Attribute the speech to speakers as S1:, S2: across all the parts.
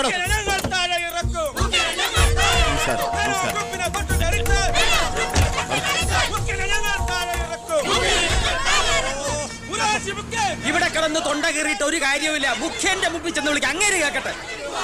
S1: നടക്കണോ?
S2: ഇവിടെ കിടന്ന് തൊണ്ട കീറിയിട്ട് ഒരു കാര്യവുമില്ല. മുഖ്യന്റെ മുമ്പിൽ ചെന്ന് വിളിക്കാം, അങ്ങേര് കേക്കട്ടെ.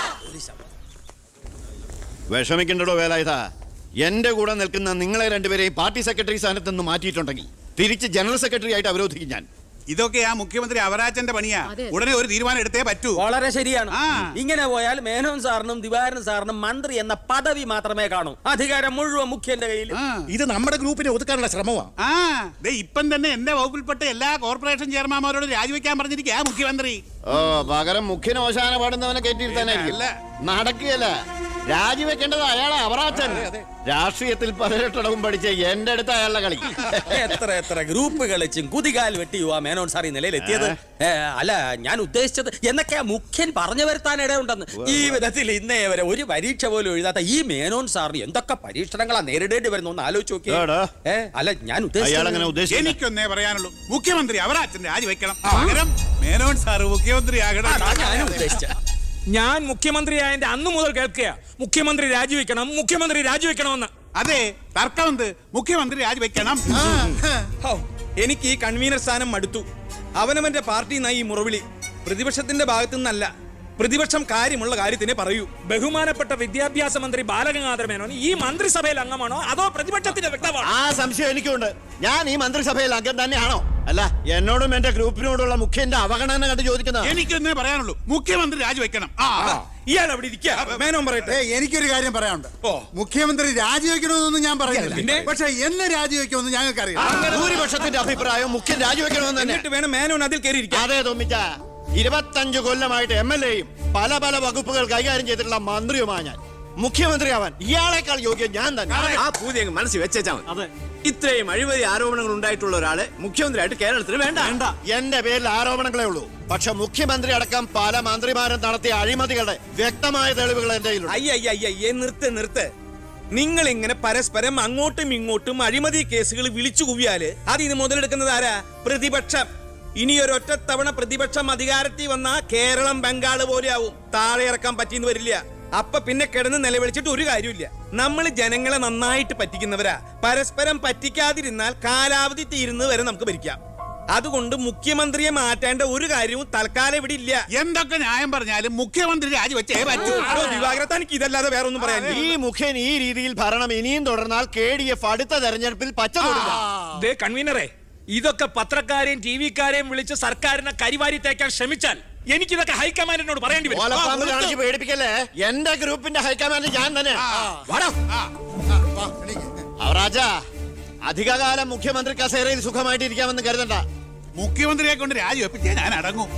S1: വിഷമിക്കണ്ടോ വേലായുധ. എന്റെ കൂടെ നിൽക്കുന്ന നിങ്ങളെ രണ്ടുപേരെയും പാർട്ടി സെക്രട്ടറി സ്ഥാനത്ത് നിന്ന് മാറ്റിയിട്ടുണ്ടെങ്കിൽ തിരിച്ച് ജനറൽ സെക്രട്ടറി ആയിട്ട് അവരോധിക്കും ഞാൻ.
S3: ഇതൊക്കെ ആ മുഖ്യമന്ത്രി അവരാജന്റെ പണിയാ. ഉടനെ ഒരു തീരുമാനം എടുത്തേ പറ്റൂ.
S2: വളരെ ശരിയാണ്. ഇങ്ങനെ പോയാൽ മേനോൻ സാറിനും ദിവാരൻ സാറിനും മന്ത്രി എന്ന പദവി മാത്രമേ കാണൂ. അധികാരം മുഴുവൻ മുഖ്യന്റെ കയ്യിൽ.
S4: ഇത് നമ്മുടെ ഗ്രൂപ്പിനെ ഒതുക്കാനുള്ള ശ്രമമാണ്.
S3: ഇപ്പം തന്നെ എന്റെ വകുപ്പിൽപ്പെട്ട എല്ലാ കോർപ്പറേഷൻ ചെയർമാൻമാരോട് രാജിവെക്കാൻ പറഞ്ഞിരിക്കുക മുഖ്യമന്ത്രി.
S1: പകരം മുഖ്യന് ഓശാന പാടുന്നവനെ കയറ്റിയിരുത്താനായിരിക്കും. നടക്കുകയല്ല, രാജിവെക്കേണ്ടത് അയാളെ അവറാച്ചൻ. രാഷ്ട്രീയത്തിൽ 18 പഠിച്ച എന്റെ അടുത്ത് അയാളുടെ കളി.
S2: എത്ര ഗ്രൂപ്പ് കളിച്ചും കുതികാൽ വെട്ടിയുവാ മേനോൻ സാർ ഈ നിലയിലെത്തിയത്. അല്ല, ഞാൻ ഉദ്ദേശിച്ചത് എന്നൊക്കെയാ മുഖ്യൻ പറഞ്ഞു വരുത്താൻ ഇടയുണ്ടെന്ന്. ഈ വിധത്തിൽ ഇന്നേ വരെ ഒരു പരീക്ഷ പോലും എഴുതാത്ത ഈ മേനോൻ സാറിന് എന്തൊക്കെ പരീക്ഷണങ്ങളാ നേരിടേണ്ടി വരുന്നു എന്ന് ആലോചിച്ച് നോക്കിയേ. അല്ല, ഞാൻ ഉദ്ദേശിച്ചത്
S3: എനിക്കൊന്നേ പറയാനുള്ളൂ, മുഖ്യമന്ത്രി അവരാച്ചൻ രാജിവെക്കണം. പകരം മേനോൻ സാർ മുഖ്യമന്ത്രി ആകണം.
S2: ഞാനും ഉദ്ദേശിച്ച
S5: ഞാൻ മുഖ്യമന്ത്രിയായതിന്റെ അന്നു മുതൽ കേൾക്കുക മുഖ്യമന്ത്രി രാജിവെക്കണമെന്ന്.
S3: അതെ, തർക്കമെന്ത്? മുഖ്യമന്ത്രി രാജിവെക്കണം.
S6: എനിക്ക് ഈ കൺവീനർ സ്ഥാനം മടുത്തു. അവനവന്റെ പാർട്ടി നയി മുറവിളി പ്രതിപക്ഷത്തിന്റെ ഭാഗത്തു നിന്നല്ല. പ്രതിപക്ഷം കാര്യമുള്ള കാര്യത്തിനെ പറയൂ.
S5: ബഹുമാനപ്പെട്ട വിദ്യാഭ്യാസ മന്ത്രി ബാലഗംഗാധര മേനോൻ ഈ മന്ത്രിസഭയിൽ അംഗമാണോ അതോ പ്രതിപക്ഷത്തിന്റെ വ്യക്തമാണോ?
S1: ആ സംശയം എനിക്കുണ്ട്. ഞാൻ ഈ മന്ത്രിസഭയിൽ അംഗം തന്നെയാണോ? അല്ല, എന്നോടും എന്റെ ഗ്രൂപ്പിനോടുള്ള മുഖ്യന്റെ അവഗണന കണ്ട് ചോദിക്കുന്നത്.
S3: എനിക്കൊന്നേ പറയാനുള്ളൂ, മുഖ്യമന്ത്രി രാജിവെക്കണം.
S6: ഇയാൾ അവിടെ ഇരിക്കുക, മേനോൻ പറയട്ടെ.
S4: എനിക്കൊരു കാര്യം പറയാനുണ്ട്. മുഖ്യമന്ത്രി രാജിവെക്കണമെന്നൊന്നും ഞാൻ പറയുന്നില്ല, പക്ഷെ എന്നെ രാജിവെക്കുമെന്ന് ഞങ്ങൾക്കറിയാം.
S1: ഭൂരിപക്ഷത്തിന്റെ അഭിപ്രായം മുഖ്യൻ രാജിവെക്കണമെന്ന് തന്നെ.
S6: എന്നിട്ട് വേണം മേനോൻ അതിൽ കയറിയിരിക്കാം.
S1: അതെ തോമിച്ച, 25 കൊല്ലമായിട്ട് MLA-യും പല വകുപ്പുകൾ കൈകാര്യം ചെയ്തിട്ടുള്ള മന്ത്രിയുമാണ് ഞാൻ. മുഖ്യമന്ത്രി ആവാൻ ഇയാളെക്കാൾ യോഗ്യം ഞാൻ തന്നെ.
S7: ആ പൂതി അങ്ങ് മനസ്സിൽ വെച്ചാൽ മതി. ഇത്രയും അഴിമതി ആരോപണങ്ങൾ ഉണ്ടായിട്ടുള്ള ഒരാളെ മുഖ്യമന്ത്രിയായിട്ട് കേരളത്തിന് വേണ്ട.
S1: എന്റെ പേരിൽ ആരോപണങ്ങളേ ഉള്ളൂ, പക്ഷെ മുഖ്യമന്ത്രി അടക്കം പല മന്ത്രിമാരും നടത്തിയ അഴിമതികളുടെ വ്യക്തമായ തെളിവുകൾ എന്റെ കയ്യിലുണ്ട്.
S6: അയ്യയ്യേ, നിർത്ത്. നിങ്ങൾ ഇങ്ങനെ പരസ്പരം അങ്ങോട്ടും ഇങ്ങോട്ടും അഴിമതി കേസുകൾ വിളിച്ചു കുവിയാല് അതിന് മുതലെടുക്കുന്നത് ആരാ? പ്രതിപക്ഷം. ഇനി ഒരൊറ്റ തവണ പ്രതിപക്ഷം അധികാരത്തിൽ വന്നാ കേരളം ബംഗാള് പോലെ ആവും. താഴെ ഇറക്കാൻ പറ്റിയെന്ന് വരില്ല. അപ്പൊ പിന്നെ കിടന്ന് നിലവിളിച്ചിട്ട് ഒരു കാര്യമില്ല. നമ്മൾ ജനങ്ങളെ നന്നായിട്ട് പറ്റിക്കുന്നവരാ. പരസ്പരം പറ്റിക്കാതിരുന്നാൽ കാലാവധി തീരുന്നത് വരെ നമുക്ക് ഭരിക്കാം. അതുകൊണ്ട് മുഖ്യമന്ത്രിയെ മാറ്റേണ്ട ഒരു കാര്യവും തൽക്കാലം ഇവിടെ ഇല്ല.
S3: എന്തൊക്കെ ന്യായം പറഞ്ഞാലും മുഖ്യമന്ത്രി രാജിവെച്ചേ പറ്റൂ.
S6: ദിവാകരത്താനിക്ക് ഇതല്ലാതെ വേറെ ഒന്നും പറയാൻ.
S1: ഈ മുഖ്യൻ ഈ രീതിയിൽ ഭരണം ഇനിയും തുടർന്നാൽ KDF അടുത്ത തെരഞ്ഞെടുപ്പിൽ പച്ച തൊടില്ല.
S5: കൺവീനറെ, ഇതൊക്കെ പത്രക്കാരെയും TV-ക്കാരെയും വിളിച്ച് സർക്കാരിനെ കരിവാരി തേക്കാൻ ശ്രമിച്ചാൽ എനിക്കിതൊക്കെ ഹൈക്കമാൻഡിനോട് പറയേണ്ടി വരും.
S1: പേടിപ്പിക്കല്ലേ, എന്റെ ഗ്രൂപ്പിന്റെ ഹൈക്കമാൻഡ് ഞാൻ തന്നെ. അവറാജ, അധികകാലം മുഖ്യമന്ത്രി കസേരയിൽ സുഖമായിട്ട് ഇരിക്കാമെന്ന് കരുതണ്ട.
S3: മുഖ്യമന്ത്രിയെ കൊണ്ട് രാജിവെപ്പിച്ചേ ഞാൻ അടങ്ങും.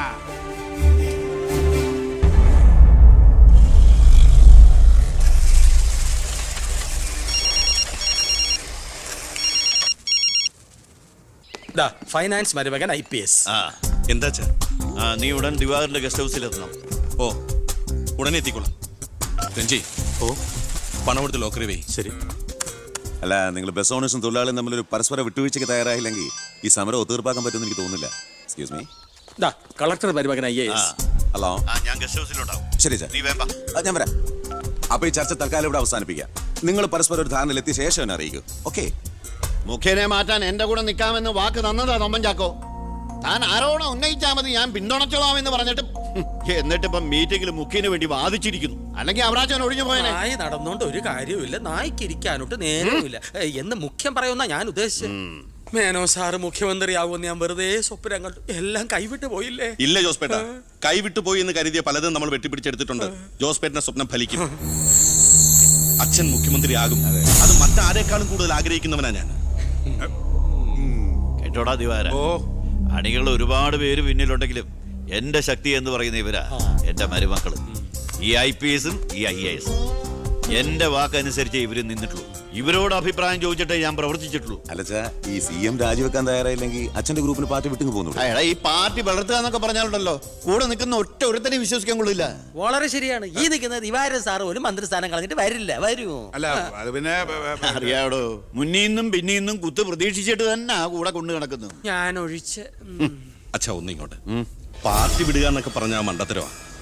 S2: ഫൈനാൻസ് മരുമകൻ IPS.
S7: എന്താ
S1: നീ ഉടൻ ദിവാകരന്റെ ഗസ്റ്റ് ഹൗസിൽ എത്തണം.
S7: ഓ, ഉടനെ എത്തിക്കോളാം. രഞ്ജി, പണം കൊടുത്ത് ലോക്കറി വേ. ശരി.
S8: അല്ല, നിങ്ങൾ ബസ് ഓണേഴ്സും തൊഴിലാളിയും തമ്മിലൊരു പരസ്പര വിട്ടുവീഴ്ചയ്ക്ക് തയ്യാറായില്ലെങ്കിൽ ഈ സമരം ഒത്തീർപ്പാക്കാൻ പറ്റുമെന്ന് എനിക്ക് തോന്നുന്നില്ല. Excuse me.
S2: കളക്ടർ മരുമകൻ IAS.
S8: ഹലോ.
S1: ഞാൻ ഗസ്റ്റ് ഹൗസിലുണ്ടാവും.
S8: ശരി സാർ, ഞാൻ വരാം. അപ്പൊ ഈ ചർച്ച തൽക്കാലം ഇവിടെ അവസാനിപ്പിക്കാം. നിങ്ങൾ പരസ്പരം ഒരു ധാരണയിലെത്തിയ ശേഷം എന്നെ അറിയിക്കൂ. ഓക്കെ?
S1: മുഖ്യനെ മാറ്റാൻ എന്റെ കൂടെ നിൽക്കാമെന്ന് വാക്ക് തന്നതാ തൊമ്മൻ ചാക്കോ. താൻ ആരോണം ഉന്നയിച്ചാൽ മതി, ഞാൻ പിന്തുണച്ചോളാമെന്ന് പറഞ്ഞിട്ട് എന്നിട്ടിപ്പം മീറ്റിംഗിൽ മുഖ്യന് വേണ്ടി വാദിച്ചിരിക്കുന്നു. അല്ലെങ്കിൽ അവരാച്ചൻ ഒഴിഞ്ഞു പോയനെ.
S2: നായി നടന്നോണ്ട് ഒരു കാര്യമില്ല, നായ്ക്ക് ഇരിക്കാനോട്ട് നേരമില്ല എന്ന് മുഖ്യം പറയുന്ന ഞാൻ ഉദ്ദേശിച്ചത്. മേനോ സാറ് മുഖ്യമന്ത്രിയാവുമെന്ന് ഞാൻ വെറുതെ സ്വപ്നം കണ്ടു. എല്ലാം കൈവിട്ട് പോയില്ലേ?
S7: ഇല്ല ജോസ്പേട്ട, കൈവിട്ടു പോയി എന്ന് കരുതിയ പലതും നമ്മൾ വെട്ടിപ്പിടിച്ചെടുത്തിട്ടുണ്ട്. ജോസ്പേട്ടന്റെ സ്വപ്നം ഫലിക്കും. അച്ഛൻ മുഖ്യമന്ത്രിയാകും. അത് മറ്റാരേക്കാളും കൂടുതൽ ആഗ്രഹിക്കുന്നവനാ ഞാൻ.
S1: കേട്ടോടാ ദിവാര, അണികൾ ഒരുപാട് പേര് പിന്നിലുണ്ടെങ്കിലും എന്റെ ശക്തി എന്ന് പറയുന്ന ഇവരാ എന്റെ മരുമക്കള്. ഈ IPS-ഉം ഈ IAS-ഉം എന്റെ വാക്കനുസരിച്ച് ഇവര് നിന്നിട്ടുള്ളൂ. ഇവരോട് അഭിപ്രായം ചോദിച്ചിട്ടേ ഞാൻ പ്രവർത്തിച്ചിട്ടുള്ളൂ.
S8: അല്ലച്ചാ, ഈ CM രാജിവെക്കാൻ തയ്യാറായില്ലെങ്കിൽ അച്ഛന്റെ ഗ്രൂപ്പിന് പാർട്ടി വിട്ടു പോകുന്നു.
S1: ഈ പാർട്ടി വളർത്തുക എന്നൊക്കെ പറഞ്ഞാലുണ്ടല്ലോ, കൂടെ നിൽക്കുന്ന ഒറ്റ ഒരുത്തനെ വിശ്വസിക്കാൻ കൊള്ളില്ല.
S2: വളരെ ശരിയാണ്. ഈ നിൽക്കുന്ന ദിവാരൻ സാറ് ഒരു മന്ത്രിസ്ഥാനം കളഞ്ഞിട്ട് വരുമോ?
S3: അല്ല, അത് പിന്നെ
S1: അറിയാടോ, മുന്നീന്നും പിന്നീന്നും കുത്ത് പ്രതീക്ഷിച്ചിട്ട് തന്നെ കൂടെ കൊണ്ടു കിടക്കുന്നു.
S2: ഞാൻ ഒഴിച്ച്.
S7: അച്ഛാ, ഒന്നിങ്ങോട്ട്. പാർട്ടി വിടുക എന്നൊക്കെ പറഞ്ഞ മണ്ടത്തരവാ.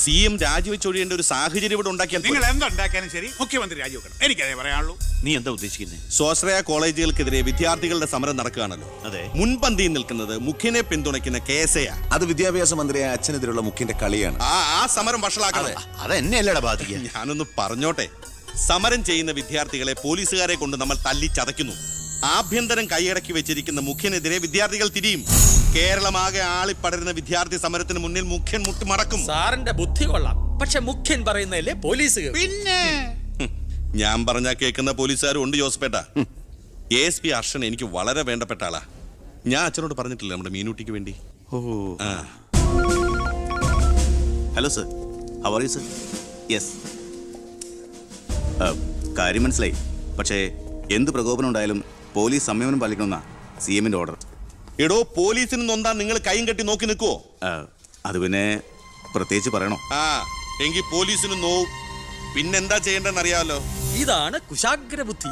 S7: CM രാജിവെച്ചൊഴിയേണ്ട ഒരു സാഹചര്യം ഇവിടെ ഉണ്ടാക്കിയാൽ
S3: നിങ്ങൾ എന്തുണ്ടാക്കിയാലും ശരി മുഖ്യമന്ത്രി രാജിവെക്കണം. എനിക്കതേ പറയാനുള്ളൂ.
S1: നീ എന്താ ഉദ്ദേശിക്കുന്നത്?
S7: സ്വാശ്രയ കോളേജുകൾക്കെതിരെ വിദ്യാർത്ഥികളുടെ സമരം നടക്കുകയാണല്ലോ.
S1: അതെ.
S7: മുൻപന്തിയിൽ നിൽക്കുന്നത് മുഖ്യനെ പിന്തുണയ്ക്കുന്ന കേസയാ.
S8: അത് വിദ്യാഭ്യാസ മന്ത്രിയായ അച്ഛനെതിരുള്ള മുഖ്യന്റെ കളിയാണ്.
S7: ആ സമരം വഷളാക്കണം.
S1: അതെന്നെയല്ലടാ ബാധിക്കുക.
S7: ഞാനൊന്ന് പറഞ്ഞോട്ടെ. സമരം ചെയ്യുന്ന വിദ്യാർത്ഥികളെ പോലീസുകാരെ കൊണ്ട് നമ്മൾ തല്ലി ചതയ്ക്കുന്നു. ആഭ്യന്തരം കൈയടക്കി വെച്ചിരിക്കുന്ന മുഖ്യനെതിരെ വിദ്യാർത്ഥികൾ തിരിയും. കേരളമാകെ ആളിപ്പടരുന്ന വിദ്യാർത്ഥി സമരത്തിന് മുന്നിൽ മുഖ്യൻ മുട്ടുമടക്കും.
S2: സാറിന്റെ ബുദ്ധി കൊള്ളാം, പക്ഷെ മുഖ്യൻ പറയുന്നതല്ലേ പോലീസ് കേൾക്കൂ.
S3: പിന്നെ
S7: ഞാൻ പറഞ്ഞാ കേൾക്കുന്ന പോലീസുകാരും ഉണ്ട് ജോസഫേട്ട. ASP അർഷൻ എനിക്ക് വളരെ വേണ്ടപ്പെട്ട ആളാ. ഞാൻ അച്ഛനോട് പറഞ്ഞിട്ടില്ല നമ്മുടെ മീനൂട്ടിക്ക് വേണ്ടി.
S9: Hello sir, how are you sir? Yes, കാര്യം മനസ്സിലായി. പക്ഷേ എന്ത് പ്രകോപനം ഉണ്ടായാലും പോലീസ് സംയമനം പാലിക്കണമെന്നാ CMന്റെ ഓർഡർ.
S7: എടോ, പോലീസിന് നൊന്താൻ നിങ്ങൾ കൈയും കെട്ടി നോക്കി നിൽക്കുവോ?
S9: അത് പിന്നെ പ്രത്യേകിച്ച് പറയണോ?
S7: എങ്കിൽ പോലീസിന് നോവും. പിന്നെന്താ ചെയ്യേണ്ടെന്ന് അറിയാമല്ലോ.
S2: ഇതാണ് കുശാഗ്ര ബുദ്ധി.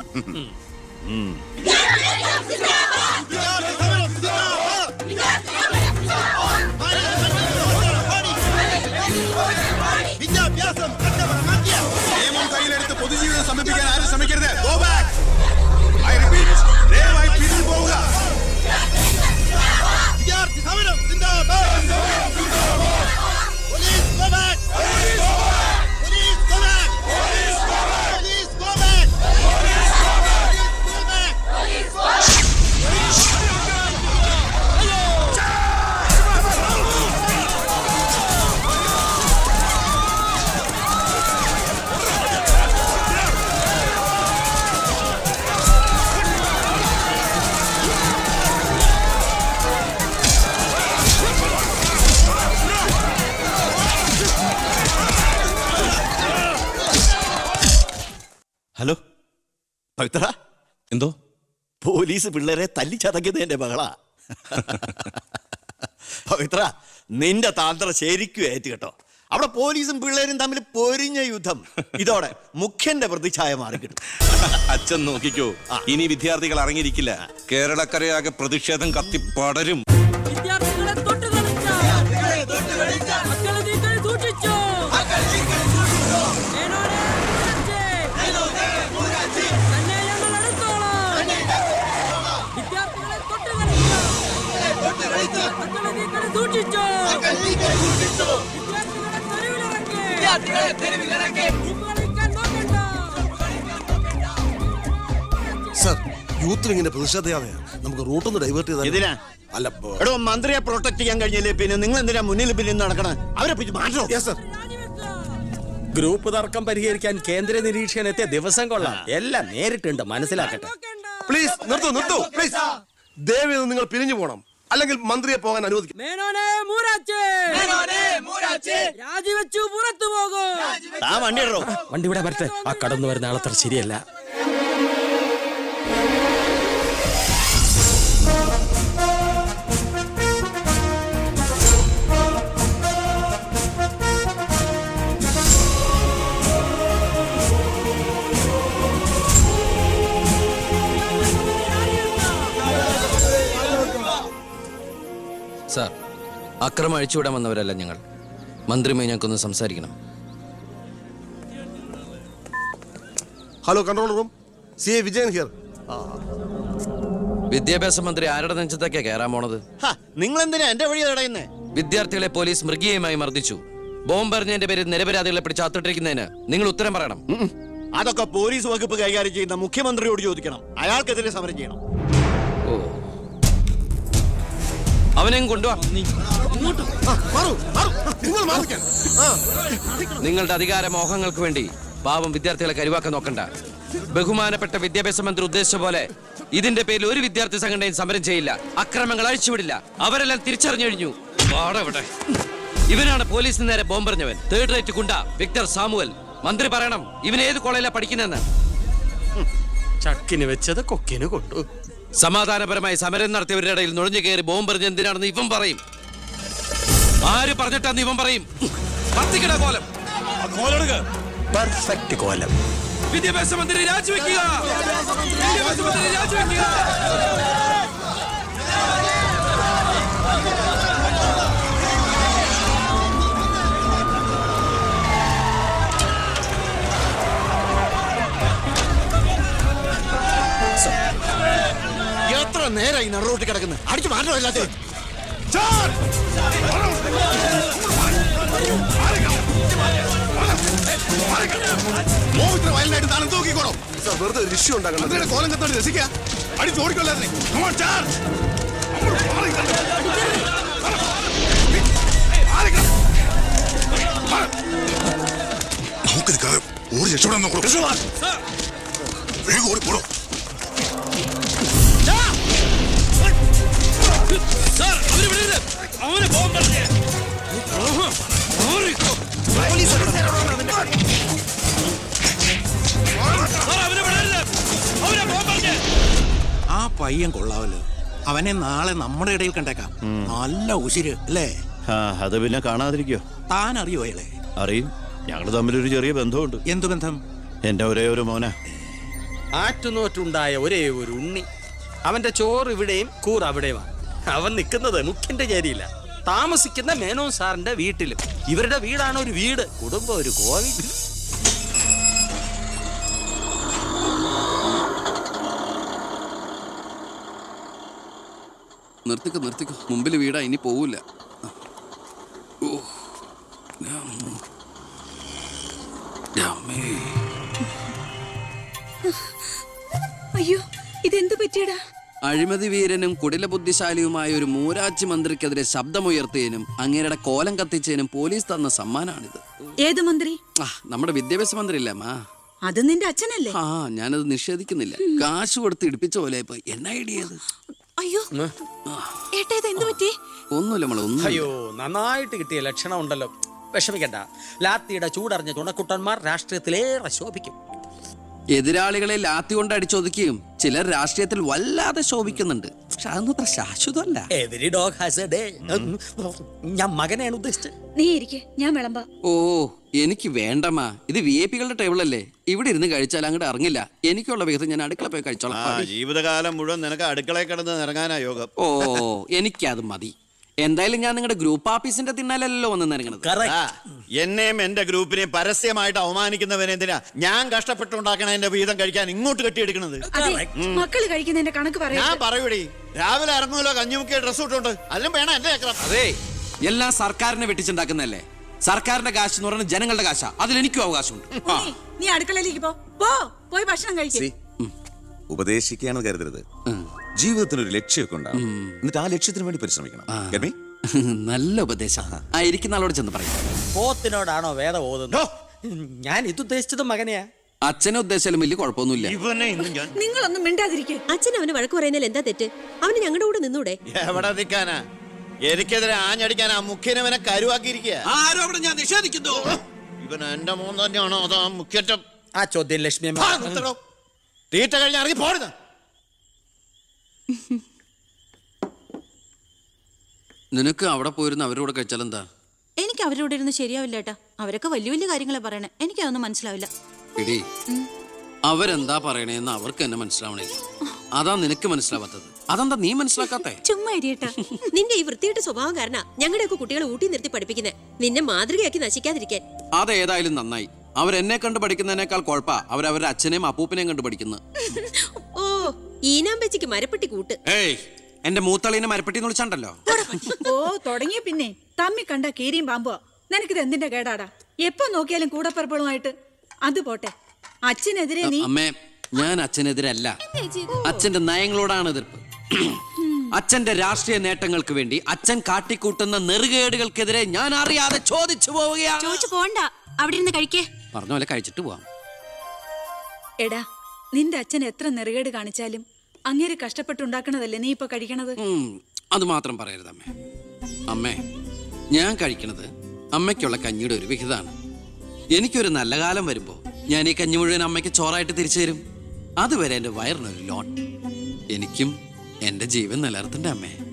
S4: നിയമം കയ്യിലെടുത്ത് പൊതുജീവിതം സമീപിക്കാൻ ആരും ശ്രമിക്കരുത്.
S1: ഹലോ പവിത്ര,
S7: എന്തോ
S1: പോലീസ് പിള്ളേരെ തല്ലിച്ചതക്കിയത് എന്റെ മകളാ. പവിത്ര, നിന്റെ താന്ത്രം ശരിക്കും ഏറ്റ് കേട്ടോ. അവിടെ പോലീസും പിള്ളേരും തമ്മിൽ പൊരിഞ്ഞ യുദ്ധം. ഇതോടെ മുഖ്യന്റെ പ്രതിച്ഛായ മാറിക്കിട്ടും.
S7: അച്ഛൻ നോക്കിക്കോ, ഇനി വിദ്യാർത്ഥികൾ ഇറങ്ങിയിരിക്കില്ല. കേരളക്കരയാകെ പ്രതിഷേധം കത്തിപ്പടരും.
S10: വിദ്യാർത്ഥികളെ തൊട്ട് കളിച്ച മക്കളെ നിങ്ങൾ സൂക്ഷിച്ചോ. തന്നെ ഞങ്ങൾ എടുത്തോളാം. വിദ്യാർത്ഥികളെ തൊട്ട് കളിച്ച മക്കളെ നിങ്ങൾ സൂക്ഷിച്ചോ. വിദ്യാർത്ഥികളെ തെരുവിലിറങ്ങി കളിക്കാൻ നോക്കണ്ട.
S11: സർ, യൂത്തിൽ ഇങ്ങനെ പ്രതിഷേധയാതെ നമുക്ക് റൂട്ടൊന്ന് ഡൈവേർട്ട് ചെയ്താൽ.
S1: ഇതിനാ
S11: അല്ല,
S1: എടോ, മന്ത്രിയെ പ്രൊട്ടക്ട് ചെയ്യാൻ കഴിഞ്ഞില്ലേ പിന്നെ നിങ്ങൾ എന്തിനാ മുന്നിൽ പിന്നിൽ നടക്കണം? അവരെ പിടിച്ച് മാറ്റോ.
S11: സർ,
S2: ഗ്രൂപ്പ് തർക്കം പരിഹരിക്കാൻ കേന്ദ്ര നിരീക്ഷകൻ എത്തിയ ദിവസം കൊള്ളാം. എല്ലാം നേരിട്ടുണ്ട്, മനസ്സിലാക്കട്ടെ.
S11: പ്ലീസ് നിർത്തൂ പ്ലീസ്. ദയവേത് നിങ്ങൾ പിരിഞ്ഞു പോകണം, അല്ലെങ്കിൽ മന്ത്രിയെ പോകാൻ അനുവദിക്കും.
S10: മേനോനെ മൂരാച്ചേ രാജിവെച്ചു പുറത്തു പോകും.
S1: വണ്ടി ഇടോ.
S2: വണ്ടി ഇവിടെ വരട്ടെ. ആ കടന്നു വരുന്ന ആളത്ര ശരിയല്ല.
S12: സാർ, അക്രമം അഴിച്ചുവിടാൻ വന്നവരല്ല ഞങ്ങൾ. മന്ത്രിയുമായി ഞങ്ങൾക്കൊന്ന് സംസാരിക്കണം.
S11: Hello, control room, CA Vijayan here.
S12: വിദ്യാഭ്യാസ മന്ത്രി ആരുടെ നെഞ്ചത്തൊക്കെയാ കയറാൻ പോണത്?
S1: നിങ്ങൾ എന്തിനാ എന്റെ വഴി തടയുന്നേ?
S12: വിദ്യാർത്ഥികളെ പോലീസ് മൃഗീയമായി മർദ്ദിച്ചു. ബോംബെറിഞ്ഞതിന്റെ പേരിൽ നിരപരാധികളെ പിടിച്ച് അത്തിട്ടിരിക്കുന്നതിന് നിങ്ങൾ ഉത്തരം പറയണം.
S1: അതൊക്കെ പോലീസ് വകുപ്പ് കൈകാര്യം ചെയ്യുന്ന മുഖ്യമന്ത്രിയോട് ചോദിക്കണം. അയാൾക്കെതിരെ സമരം ചെയ്യണം.
S12: അവനെയും കൊണ്ടുവാ. നിങ്ങളുടെ അധികാര മോഹങ്ങൾക്ക് വേണ്ടി പാവം വിദ്യാർത്ഥികളെ കരുവാക്കാൻ നോക്കണ്ട. ബഹുമാനപ്പെട്ട വിദ്യാഭ്യാസ മന്ത്രി ഉദ്ദേശിച്ച പോലെ ഇതിന്റെ പേരിൽ ഒരു വിദ്യാർത്ഥി സംഘടനയും സമരം ചെയ്യില്ല. അക്രമങ്ങൾ അഴിച്ചുവിടില്ല. അവരെല്ലാം തിരിച്ചറിഞ്ഞു കഴിഞ്ഞു. ഇവനാണ് പോലീസിന് നേരെ ബോംബെറിഞ്ഞവൻ. 3rd rate goonda Victor Samuel. മന്ത്രി പറയണം ഇവൻ ഏത് കോളേജിലാണ് പഠിക്കുന്നതെന്ന്.
S2: ചക്കിന് വെച്ചത് കൊക്കിന് കൊണ്ടു.
S12: സമാധാനപരമായി സമരം നടത്തിയവരുടെ ഇടയിൽ നുഴഞ്ഞു കയറി ബോംബെറിഞ്ഞ എന്തിനാണെന്ന് ഇവൻ പറയും. ആര് പറഞ്ഞിട്ടാന്ന് ഇവൻ പറയും. കത്തിക്കട കോലം.
S2: പെർഫെക്റ്റ് കോലം.
S12: വിദ്യാഭ്യാസ മന്ത്രി രാജിവെക്കുക. വിദ്യാഭ്യാസ മന്ത്രി രാജിവെക്കുക.
S11: നേരെ ഈ നടുറോട്ടിൽ കിടക്കുന്നത് അടിച്ചു മാറ്റോ എല്ലാത്തിനും വയലിനായിട്ട് താനും തൂക്കിക്കോളൂ വെറുതെ ഒരു ഇഷ്യൂ ഉണ്ടാക്കണം കോലം കത്തോട് രസിക്കുക അടിച്ച് ഓടിക്കൊള്ളാതെ നമുക്കിത് ഓടി രക്ഷപ്പെടാൻ നോക്കൂ വേഗം ഓടിപ്പോടോ
S5: അവനെ പോകാൻ പറഞ്ഞേ
S3: ആ പയ്യൻ കൊള്ളാവല്ലോ അവനെ നാളെ നമ്മുടെ ഇടയിൽ കണ്ടേക്കാം നല്ല ഉശിര് അല്ലേ
S1: അത് പിന്നെ കാണാതിരിക്കോ?
S3: താൻ അറിയോ അയാളെ?
S1: അറിയും. ഞങ്ങൾ തമ്മിലൊരു ചെറിയ ബന്ധമുണ്ട്.
S3: എന്തു ബന്ധം?
S1: എന്റെ ഒരേ ഒരു മോന.
S2: ആറ്റുനോറ്റുണ്ടായ ഒരേ ഒരു ഉണ്ണി. അവന്റെ ചോറ് ഇവിടെയും കൂർ അവിടെയുമാണ്. അവൻ നിൽക്കുന്നത് മുഖ്യന്റെ ചേരിയില്ല, താമസിക്കുന്ന മേനോൻ സാറിന്റെ വീട്ടിലും. ഇവരുടെ വീടാണ് ഒരു വീട്, കുടുംബം ഒരു കോവിൽ.
S12: നിർത്തിക്കോ മുമ്പിൽ വീടാ, ഇനി പോവില്ല.
S10: അയ്യോ, ഇതെന്ത് പറ്റിയടാ?
S12: അഴിമതി വീരനും കുടില ബുദ്ധിശാലിയുമായ ഒരു മൂരാച്ചി മന്ത്രിക്കെതിരെ ശബ്ദമുയർത്തിയതിനും അങ്ങേരുടെ കോലം കത്തിച്ചതിനും പോലീസ് തന്ന സമ്മാനാണിത്.
S10: ഏത് മന്ത്രി?
S12: നമ്മുടെ വിദ്യാഭ്യാസ മന്ത്രി ഇല്ലേ അമ്മ?
S10: അത് നിന്റെ അച്ഛനല്ലേ?
S12: ആ, ഞാനത് നിഷേധിക്കുന്നില്ല. കാശ് കൊടുത്ത് ഇടിപ്പിച്ച പോലെ ഇപ്പൊ എന്നെ ഐഡിയത്.
S10: അയ്യോ ഏട്ടാ, ഇത് എന്ത് പറ്റി?
S12: ഒന്നുമില്ല മോളെ, ഒന്നും.
S2: അയ്യോ, നന്നായിട്ട് കിട്ടിയ ലക്ഷണം ഉണ്ടല്ലോ. വിഷമിക്കണ്ട, ലാത്തിയുടെ ചൂടറിഞ്ഞ തുണക്കുട്ടന്മാർ രാഷ്ട്രീയത്തിലേറെ ശോഭിക്കും.
S12: എതിരാളികളെ ലാത്തി കൊണ്ട് അടിച്ചൊതുക്കിയും ചിലർ രാഷ്ട്രീയത്തിൽ വല്ലാതെ ശോഭിക്കുന്നുണ്ട്. പക്ഷെ അതൊന്നും അത്ര ശാശ്വതമല്ല.
S2: Every dog has a day. ഞാൻ മകനെയാണ് ഉദ്ദേശിച്ചത്.
S10: നീ ഇരിക്കെ, ഞാൻ വിളമ്പാ.
S12: ഓ, എനിക്ക് വേണ്ടമ്മാ. ഇത് VIP കളുടെ ടേബിൾ അല്ലേ, ഇവിടെ ഇരുന്ന് കഴിച്ചാൽ അങ്ങോട്ട് ഇറങ്ങില്ല. എനിക്കുള്ള വിഹിതം ഞാൻ അടുക്കള പോയി കഴിച്ചോളാം.
S1: ജീവിതകാലം മുഴുവൻ നിനക്ക് അടുക്കളയിൽ കിടന്ന് ഇറങ്ങാനാ യോഗം.
S12: ഓ, എനിക്കത് മതി. എന്തായാലും ഞാൻ നിങ്ങളുടെ ഗ്രൂപ്പ് ഓഫീസിന്റെ തിന്നാലല്ലോ വന്ന് ഇറങ്ങണത്.
S1: എന്നെയും എന്റെ ഗ്രൂപ്പിനെയും പരസ്യമായിട്ട് അവമാനിക്കുന്നവനെന്തിനാ ഞാൻ കഷ്ടപ്പെട്ടുണ്ടാക്കണ എന്റെ വീതം കഴിക്കാൻ ഇങ്ങോട്ട് കെട്ടിയെടുക്കണത്?
S10: മക്കള് കഴിക്കുന്നതിന്റെ കണക്ക് പറയാ.
S1: ഞാൻ പറയൂടി, രാവിലെ ഇറങ്ങുമല്ലോ കഞ്ഞിമുക്കിയ ഡ്രസ് ഇട്ടുണ്ട്, അതിലും വേണം എന്റെ ചക്രം.
S12: അതെ, എല്ലാം സർക്കാരിനെ വെട്ടിച്ചുണ്ടാക്കുന്നല്ലേ. സർക്കാരിന്റെ കാശ് എന്ന് പറയുന്നത് ജനങ്ങളുടെ കാശാ, അതിലെനിക്കും അവകാശമുണ്ട്.
S10: നീ അടുക്കളയിലേക്ക് പോയി ഭക്ഷണം കഴിക്കും.
S8: ഉപദേശിക്കുകയാണ് കരുതരുത്. ജീവിതത്തിനൊരു ലക്ഷ്യമൊക്കെ ഉണ്ടാവും, എന്നിട്ട് ആ ലക്ഷ്യത്തിന് വേണ്ടി പരിശ്രമിക്കണം.
S12: നല്ല ഉപദേശം. ഇരിക്കുന്ന ആളോട് ചെന്ന് പറയും.
S2: പോത്തിനോടാണോ വേദം ഓതുന്നത്? ഞാൻ ഇതുദ്ദേശിച്ചത് മകനെയാ.
S12: അച്ഛനെ ഉദ്ദേശിച്ചാലും വലിയ കുഴപ്പമൊന്നുമില്ല.
S10: നിങ്ങളൊന്നും മിണ്ടാതിരിക്കെ.
S13: അച്ഛൻ അവന് വഴക്ക് പറയുന്നതിൽ എന്താ തെറ്റ്? അവന് ഞങ്ങളുടെ കൂടെ നിന്നൂടെ?
S1: എവിടെ നിൽക്കാനാ? എനിക്കെതിരെ ആഞ്ഞടിക്കാൻ ആ മുഖ്യനവനെ കരുവാക്കിയിരിക്കുക.
S5: ആരോപണം ഞാൻ നിഷേധിക്കുന്നു.
S1: ഇവൻ എന്റെ മോൻ തന്നെയാണോ അതാ മുഖ്യറ്റം?
S2: ആ ചോദ്യം ലക്ഷ്മി
S1: തീറ്റ കഴിഞ്ഞ് ഇറങ്ങി പോരുന്ന.
S12: നിനക്ക് അവിടെ പോയിരുന്ന അവരുടെ കൂടെ കഴിച്ചാലെന്താ?
S13: എനിക്ക് അവരോട് ഇരുന്ന് ശരിയാവില്ല ഏട്ടാ. അവരൊക്കെ വലിയ വലിയ കാര്യങ്ങളെ പറയണേ, എനിക്കതൊന്നും മനസ്സിലാവില്ല.
S12: എടീ, അവരെന്താ പറയണേന്ന് അവർക്ക് എന്നെ മനസ്സിലാവണേ. അതാ നിനക്ക് മനസ്സിലാവാത്തത്. അതെന്താ നീ മനസ്സിലാക്കാത്തെ?
S13: ചുമ്മാ ഇരിയേട്ടാ. നിന്റെ ഈ വൃത്തിയുടെ സ്വഭാവം കാരണം ഞങ്ങളുടെയൊക്കെ കുട്ടികളെ ഊട്ടി നിർത്തി പഠിപ്പിക്കുന്നത്, നിന്നെ മാതൃകയാക്കി നശിക്കാതിരിക്കാൻ.
S12: അതേതായാലും നന്നായി. അവരെന്നെ കണ്ട് പഠിക്കുന്നതിനേക്കാൾ കുഴപ്പാ അവരവരുടെ അച്ഛനെയും അപ്പൂപ്പനെയും കണ്ട് പഠിക്കുന്നത്.
S13: ഓ, ഈനാമ്പച്ചിക്ക് മരപ്പെട്ടി കൂട്ട്.
S12: ഏയ്, എന്റെ മൂത്തളീനെ മരപ്പെട്ടി എന്ന് വിളിച്ചാണ്ടല്ലോ.
S10: ഓ, തുടങ്ങിയ പിന്നെ തമ്മി കണ്ട കീരിയും പാമ്പുവാ. നിനക്കിത് എന്തിന്റെ കേടാടാ? എപ്പോ നോക്കിയാലും കൂടപ്പറപ്പളുമായിട്ട്. അത് പോട്ടെ, അച്ഛനെതിരെ നീ.
S12: അമ്മേ, ഞാൻ അച്ഛനെതിരല്ല. അച്ഛന്റെ നയങ്ങളോടാണ് എതിർപ്പ്. അച്ഛന്റെ രാഷ്ട്രീയ നേട്ടങ്ങൾക്ക് വേണ്ടി അച്ഛൻ കാട്ടിക്കൂട്ടുന്ന നെറുകേടുകൾക്കെതിരെ ഞാൻ അറിയാതെ ചോദിച്ചു പോവുകയാണ്.
S13: ചോദിച്ചു പോണ്ട, അവിടെ ഇരുന്ന് കഴിക്കേ.
S12: പറഞ്ഞ പോലെ കഴിച്ചിട്ട് പോവാം.
S10: എടാ, നിന്റെ അച്ഛൻ എത്ര നെറുകേട് കാണിച്ചാലും അങ്ങേര് കഷ്ടപ്പെട്ടുണ്ടാക്കണതല്ലേ നീ ഇപ്പൊ കഴിക്കണത്?
S12: അത് മാത്രം പറയരുത് അമ്മേ. അമ്മേ, ഞാൻ കഴിക്കണത് അമ്മയ്ക്കുള്ള കഞ്ഞിയുടെ ഒരു വിഹിതമാണ്. എനിക്കൊരു നല്ല കാലം വരുമ്പോ ഞാൻ ഈ കഞ്ഞി മുഴുവൻ അമ്മയ്ക്ക് ചോറായിട്ട് തിരിച്ചു തരും. അതുവരെ എന്റെ വയറിനൊരു ലോൺ. എനിക്കും എന്റെ ജീവൻ നിലനിർത്തണ്ടേ അമ്മേ?